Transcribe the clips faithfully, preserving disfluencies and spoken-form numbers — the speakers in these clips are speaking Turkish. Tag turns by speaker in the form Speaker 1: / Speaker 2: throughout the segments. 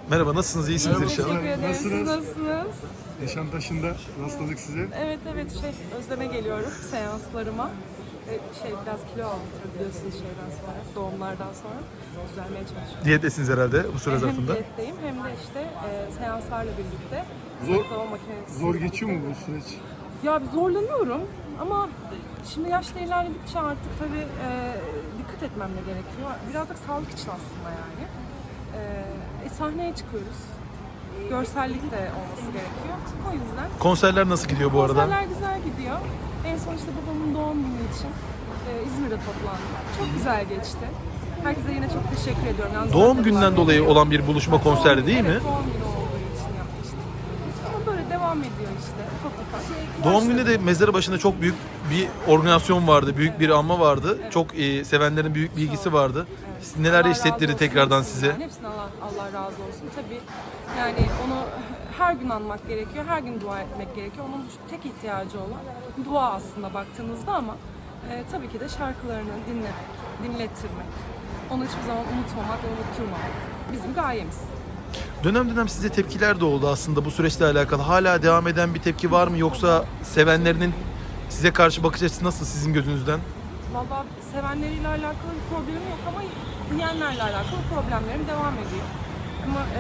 Speaker 1: Merhaba, nasılsınız? İyisiniz
Speaker 2: Merhaba,
Speaker 1: inşallah.
Speaker 2: teşekkür
Speaker 3: ederim. Siz
Speaker 2: Nasılsınız?
Speaker 3: nasılsınız?
Speaker 2: Nişantaşı'nda rastladık size.
Speaker 3: Evet evet şey Özlem'e geliyorum seanslarıma. Ve şey biraz kilo aldım biliyorsunuz şeyden sonra, doğumlardan sonra düzelmeye çalışıyorum.
Speaker 1: Diyettesiniz herhalde bu süre
Speaker 3: Hem
Speaker 1: zarfında.
Speaker 3: diyetteyim hem de işte e, seanslarla birlikte
Speaker 2: Zor-
Speaker 3: zayıflama makinesi.
Speaker 2: Zor geçiyor mu bu süreç?
Speaker 3: Ya bir zorlanıyorum ama şimdi yaşta ilerledikçe artık tabii e, dikkat etmem de gerekiyor. Biraz da sağlık için aslında yani. E, e, sahneye çıkıyoruz. Görsellik de olması gerekiyor. O yüzden
Speaker 1: Konserler nasıl gidiyor bu arada?
Speaker 3: konserler güzel gidiyor. En son işte babamın doğum günü için e, İzmir'de toplandık. Çok güzel geçti. Herkese yine çok teşekkür ediyorum. Yalnız
Speaker 1: Doğum
Speaker 3: ben de
Speaker 1: günden
Speaker 3: devam
Speaker 1: dolayı
Speaker 3: ediyor.
Speaker 1: olan bir buluşma konserdi değil mi?
Speaker 3: Evet, doğum günü olduğu için yapmıştık. Ama böyle devam ediyor işte. Ufak ufak.
Speaker 1: Doğum gününde de mezarı başında çok büyük bir organizasyon vardı, büyük bir anma vardı. Çok e, sevenlerin büyük bir ilgisi vardı. Siz neler
Speaker 3: Allah razı
Speaker 1: hissettirdi
Speaker 3: olsun
Speaker 1: tekrardan
Speaker 3: hepsinden.
Speaker 1: size?
Speaker 3: Hepsine Allah, Allah razı olsun. Tabii yani onu her gün anmak gerekiyor, her gün dua etmek gerekiyor. Onun tek ihtiyacı olan dua aslında baktığınızda ama e, tabii ki de şarkılarını dinlemek, dinlettirmek. Onu hiçbir zaman unutmamak ve unutturmamak bizim gayemiz.
Speaker 1: Dönem dönem size tepkiler de oldu aslında bu süreçle alakalı. Hala devam eden bir tepki var mı yoksa sevenlerinin size karşı bakış açısı nasıl sizin gözünüzden?
Speaker 3: Vallahi sevenleriyle alakalı bir problemim yok ama yiyenlerle alakalı problemlerim devam ediyor. Ama e,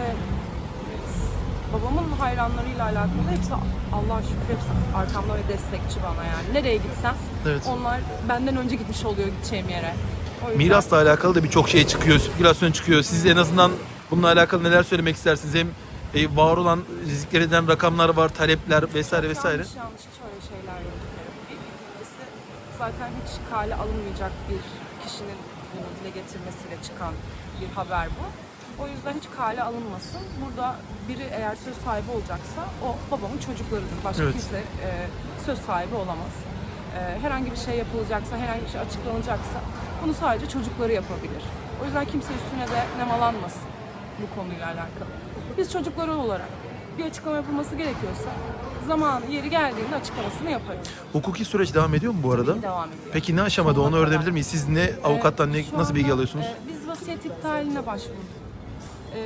Speaker 3: babamın hayranlarıyla alakalı hepsi Allah'a şükür hepsi arkamda ve destekçi bana yani. Nereye gitsem
Speaker 1: Evet.
Speaker 3: onlar benden önce gitmiş oluyor gideceğim yere. O yüzden-
Speaker 1: Mirasla alakalı da birçok şey çıkıyor, spekülasyon çıkıyor. Siz en azından bununla alakalı neler söylemek istersiniz? Hem e, var olan rizikler eden rakamlar var, talepler vesaire vesaire.
Speaker 3: Yanlış yanlış hiç öyle şeyler yok. Bir ikincisi zaten hiç kale alınmayacak bir kişinin bunu dile getirmesiyle çıkan bir haber bu. O yüzden hiç kale alınmasın. Burada biri eğer söz sahibi olacaksa o babamın çocuklarıdır. Başka
Speaker 1: Evet.
Speaker 3: kimse e, söz sahibi olamaz. E, herhangi bir şey yapılacaksa, herhangi bir şey açıklanacaksa bunu sadece çocukları yapabilir. O yüzden kimse üstüne de nemalanmasın bu konuyla alakalı. Biz çocukları olarak bir açıklama yapılması gerekiyorsa zamanı yeri geldiğinde açıklamasını yaparız.
Speaker 1: Hukuki süreç devam ediyor mu bu arada?
Speaker 3: Devam ediyor.
Speaker 1: Peki ne aşamada
Speaker 3: Sonuna
Speaker 1: onu
Speaker 3: kadar.
Speaker 1: öğrenebilir miyiz? Siz ne avukattan ne
Speaker 3: Ee, şu
Speaker 1: nasıl bilgi
Speaker 3: anda,
Speaker 1: alıyorsunuz?
Speaker 3: e, biz vasiyet iptaline başvurduk. E,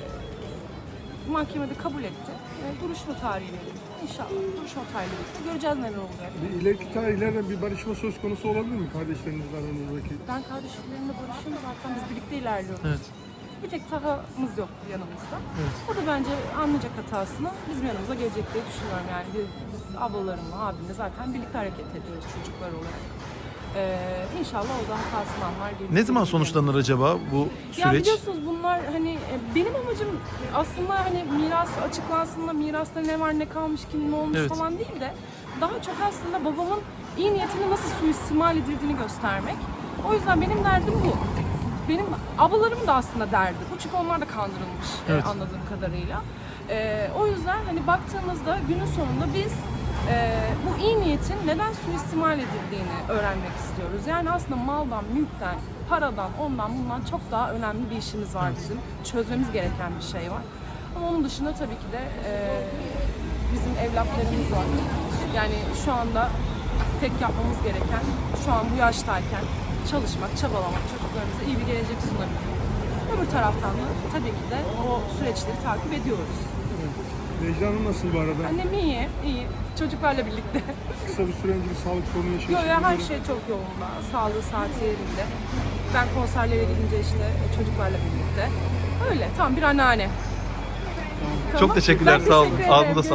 Speaker 3: mahkemede kabul etti. E, duruşma tarihi verildi. İnşallah duruşma tarihi bitti. Göreceğiz neler olacak.
Speaker 2: Bir ileriki tarihlerde bir barışma söz konusu olabilir mi kardeşlerinizle aranızdaki?
Speaker 3: Ben kardeşlerimle barışıyorum zaten biz birlikte ilerliyoruz.
Speaker 1: Evet.
Speaker 3: Bir tek Taha'mız yok yanımızda.
Speaker 1: Evet.
Speaker 3: O da bence anlayacak hatasını bizim yanımıza gelecek diye düşünüyorum. Yani biz, biz ablalarımla, abimle zaten birlikte hareket ediyoruz çocuklar olarak. Ee, inşallah o da hatasını anlar. gelir.
Speaker 1: Ne zaman sonuçlanır acaba bu
Speaker 3: Ya
Speaker 1: süreç?
Speaker 3: biliyorsunuz bunlar hani e, benim amacım aslında hani miras açıklansın da mirasta ne var ne kalmış kim ne olmuş
Speaker 1: Evet.
Speaker 3: falan değil de daha çok aslında babamın iyi niyetini nasıl suistimal edildiğini göstermek. O yüzden benim derdim bu. Benim ablalarım da aslında derdi bu çünkü onlar da kandırılmış e,
Speaker 1: Evet.
Speaker 3: anladığım kadarıyla. E, o yüzden hani baktığımızda günün sonunda biz e, bu iyi niyetin neden suistimal edildiğini öğrenmek istiyoruz. Yani aslında maldan, mülkten, paradan, ondan bundan çok daha önemli bir işimiz var bizim. Çözmemiz gereken bir şey var. Ama onun dışında tabii ki de e, bizim evlatlarımız var. Yani şu anda tek yapmamız gereken şu an bu yaştayken çalışmak, çabalamak, çocuklarımıza iyi bir gelecek sunabilmek. Öbür taraftan da tabii ki de o süreçleri takip ediyoruz.
Speaker 2: Necla Hanım nasıl bu arada?
Speaker 3: Annem iyi, iyi. Çocuklarla birlikte.
Speaker 2: Kısa bir süre önce bir sağlık sorunu
Speaker 3: Yok
Speaker 2: yaşıyorsunuz.
Speaker 3: ya her şey çok yolunda. Sağlığı saati yerinde. Ben konserlere gidince işte çocuklarla birlikte. Öyle tam bir anneanne.
Speaker 1: Çok teşekkürler,
Speaker 3: Ben
Speaker 1: sağ olun.
Speaker 3: teşekkür ederim.
Speaker 1: Ağzınıza sağlık.